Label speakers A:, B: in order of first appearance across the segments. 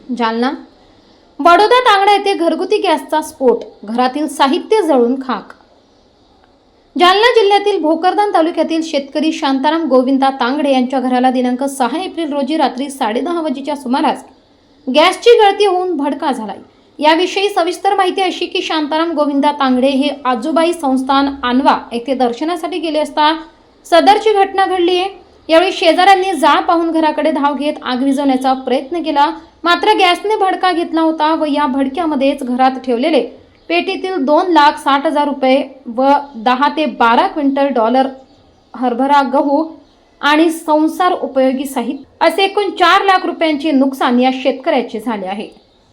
A: जालना बडोदा तांगडा येथे घरगुती गॅसचा स्फोट, घरातील साहित्य जळून खाक। जालना जिल्ह्यातील भोकरदान तालुक्यातील शेतकरी शांताराम गोविंदा तांगडे यांच्या घराला दिनांक 6 एप्रिल रोजी रात्री 10:30 वाजेच्या सुमारास गॅसची गळती होऊन भडका झालाय। याविषयी सविस्तर माहिती अशी की शांताराम गोविंदा तांगडे हे आजूबाई संस्थान आणवा येथे दर्शनासाठी गेले असता सदरची घटना घडली आहे। यावेळी शेजाऱ्यांनी जाळ पाहून घराकडे धाव घेत आग विझवण्याचा प्रयत्न केला, मात्र गॅसने भडका घेतला होता व या भडक्यामध्येच घरात ठेवलेले पेटीतील 2,60,000 रुपये व 10 ते 12 क्विंटल डॉलर हरभरा गहू आणि संसार उपयोगी साहित्य असे एकूण 4 लाख रुपयांचे नुकसान या शेतकऱ्याचे झाले आहे।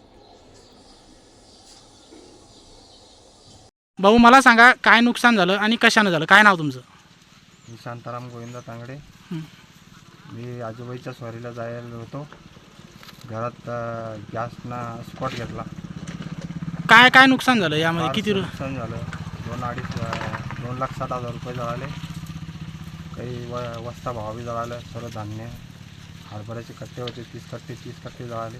B: भाऊ मला सांगा काय नुकसान झालं आणि कशाने झालं, काय नाव तुमचं?
C: मी शांताराम गोविंदा तांगडे। मी आजूबाईच्या स्वारीला जायला होतो, घरात गॅसना स्पॉट घेतला।
B: काय काय नुकसान झालं यामध्ये? किती
C: नुकसान झालं? 2,60,000 रुपये जळाले, काही वस्ता भाव बी जळालं, सर्व धान्य, हरभऱ्याचे कट्टे होते 30 कट्टे जळाले,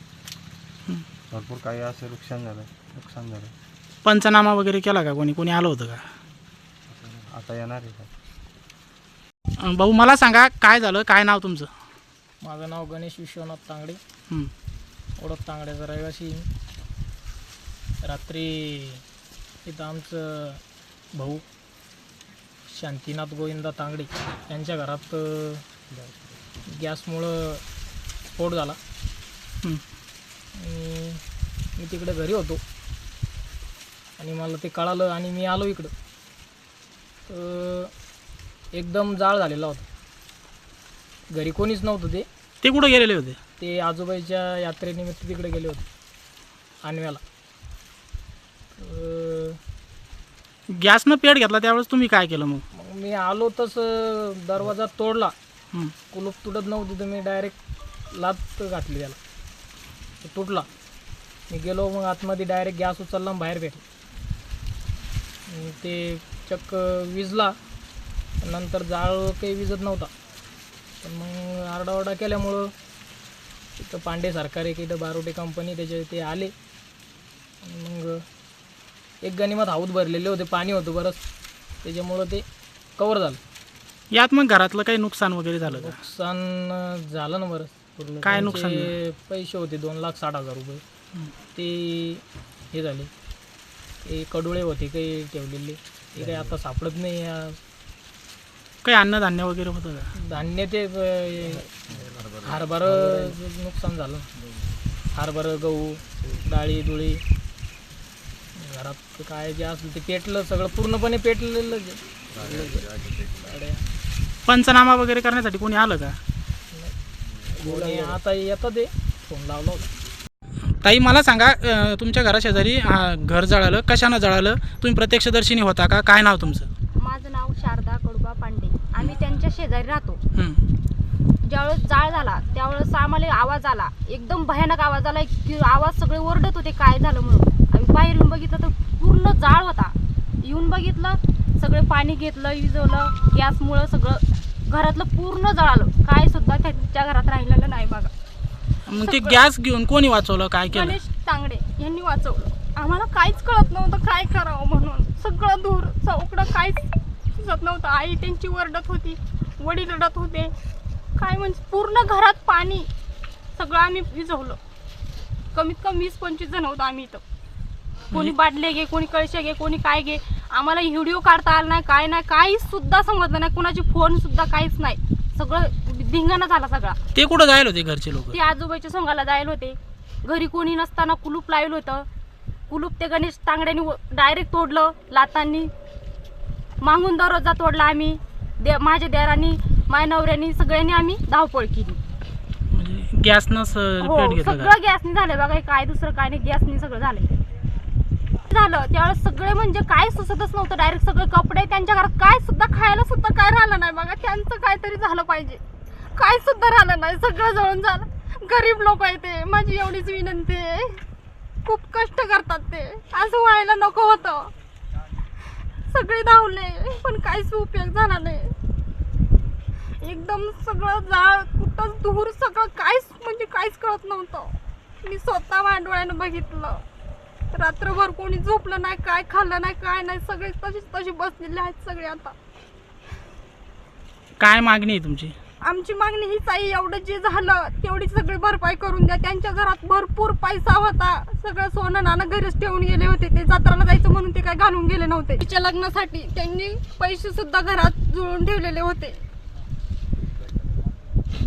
C: भरपूर काही असं नुकसान झालं।
B: पंचनामा वगैरे केला का? कोणी आलं होतं का?
C: आता येणार आहे का?
B: भाऊ मला सांगा काय झालं, काय नाव तुमचं?
D: माझं नाव गणेश विश्वनाथ तांगडे, ओळख तांगड्याचा रहिवासी। रात्री इथं आमचं भाऊ शांतीनाथ गोविंदा तांगडे यांच्या घरात गॅसमुळं स्फोट झाला। मी तिकडे घरी होतो आणि मला ते कळालं आणि मी आलो इकडं, तर एकदम जाळ झालेला होता। घरी कोणीच नव्हतं।
B: ते कुठं गेलेले होते?
D: ते आजोबाईच्या यात्रेनिमित्त तिकडे गेले होते आणव्याला।
B: गॅसनं पेट घेतला त्यावेळेस तुम्ही काय केलं? मग
D: मी आलो तसं दरवाजा तोडला, कुलूप तुटत नव्हती तर मी डायरेक्ट लात घातली त्याला, तो तुटला। मी गेलो मग आतमध्ये डायरेक्ट गॅस उचलला बाहेर भेटला, ते चक्क विजला। नंतर जाळ काही विजत नव्हता, पण मग आरडाओरडा केल्यामुळं तिथं पांडे सरकार एक इथं बारोटे कंपनी त्याचे ते आले आणि मग एक गणिमत हाऊत भरलेले होते, पाणी होतं बरंच, त्याच्यामुळं ते कवर झालं।
B: यात मग घरातलं काही नुकसान वगैरे झालं का?
D: नुकसान झालं ना बरंच।
B: काय नुकसान?
D: पैसे होते 2,60,000 रुपये, ते हे झाले। ते कडुळे होते काही ठेवलेले, ते काही आता सापडत नाही।
B: काही अन्नधान्य वगैरे होतं का?
D: धान्य ते हरभरा नुकसान झालं, हरभरा गहू डाळी दुळी घरात काय जे असलं ते पेटलं, सगळं पूर्णपणे पेटलेलं।
B: पंचनामा वगैरे करण्यासाठी कोणी आलं का?
D: आता येतं, ते फोन लावला होता।
B: ताई मला सांगा तुमच्या घराशेजारी घर जळालं, कशानं जळालं? तुम्ही प्रत्यक्षदर्शीनी होता का? काय नाव तुमचं?
E: माझं नाव शारदा कडुबा पांडे। आम्ही त्यांच्या शेजारी राहतो। ज्यावेळेस जाळ झाला त्यावेळेस आम्हाला आवाज आला, एकदम भयानक आवाज आला की आवाज सगळे ओरडत होते काय झालं म्हणून। आम्ही बाहेर येऊन बघितलं तर पूर्ण जाळ होता। येऊन बघितलं, सगळे पाणी घेतलं, विझवलं, गॅसमुळं सगळं घरातलं पूर्ण जळालं, काय सुद्धा त्यांच्या घरात राहिलेलं नाही बघा।
B: मग ते गॅस घेऊन कोणी वाचवलं, काय केलं?
E: गणेश तांगडे यांनी वाचवलं। आम्हाला काहीच कळत नव्हतं काय करावं म्हणून, सगळं दूर चौकडं काहीच सुचत नव्हतं। आई त्यांची ओरडत होती, वडील रडत होते, काय म्हणजे पूर्ण घरात पाणी, सगळं आम्ही विझवलं। कमीत कमी 20-25 जण होतो आम्ही इथं। कोणी बाटले घे, कोणी कळशे घे, कोणी काय घे। आम्हाला व्हिडिओ काढता आला नाही, काय नाही, काहीच सुद्धा समजलं नाही, कुणाची फोन सुद्धा काहीच नाही, सगळं धिंगाणा झाला सगळा।
B: ते कुठं जायला होते घरचे लोक?
E: ते आजोबाईच्या सोंगाला जायला होते। घरी कोणी नसताना कुलूप लावलं होतं, कुलूप ते गणेश तांगड्यांनी डायरेक्ट तोडलं लातांनी। मागून दरवाजा तोडला आम्ही, माझ्या देरांनी, माझ्या नवऱ्यानी, सगळ्यांनी आम्ही धावपळ केली।
B: म्हणजे गॅसनं पेट घेतलं?
E: सगळं गॅसनी झालं बघा, काय दुसरं काय नाही, गॅसनी सगळं झालं। त्यावेळेस सगळे म्हणजे काय सुचतच नव्हतं, डायरेक्ट सगळे कपडे, त्यांच्या घरात काय सुद्धा खायला सुद्धा काय राहिलं नाही बघा। त्यांचं काहीतरी झालं पाहिजे, काय सुद्धा राहिलं नाही, सगळं जळून झालं। गरीब लोक आहे ते, माझी एवढीच विनंती आहे, खूप कष्ट करतात ते, असं व्हायला नको होतं। सगळे धावले पण काहीच उपयोग झाला नाही। एकदम सगळं जाळ, कुठंच धूर, सगळं काहीच म्हणजे काहीच कळत नव्हतं। मी स्वतः माझ्या डोळ्यानं बघितलं. रात्रभर कोणी झोपलं नाही, काय खाल्लं नाही, काय नाही, सगळे तशी बसलेले आहेत सगळे. आता
B: काय मागणी आहे तुमची?
E: आमची मागणी हीच आहे, एवढं जे झालं तेवढी सगळी भरपाई करून द्या. त्यांच्या घरात भरपूर पैसा होता, सगळं सोनं नाणं घरीच ठेवून गेले होते. ते जत्राला जायचं म्हणून ते काय घालून गेले नव्हते. तिच्या लग्नासाठी त्यांनी पैसे सुद्धा घरात जुळवून ठेवलेले होते.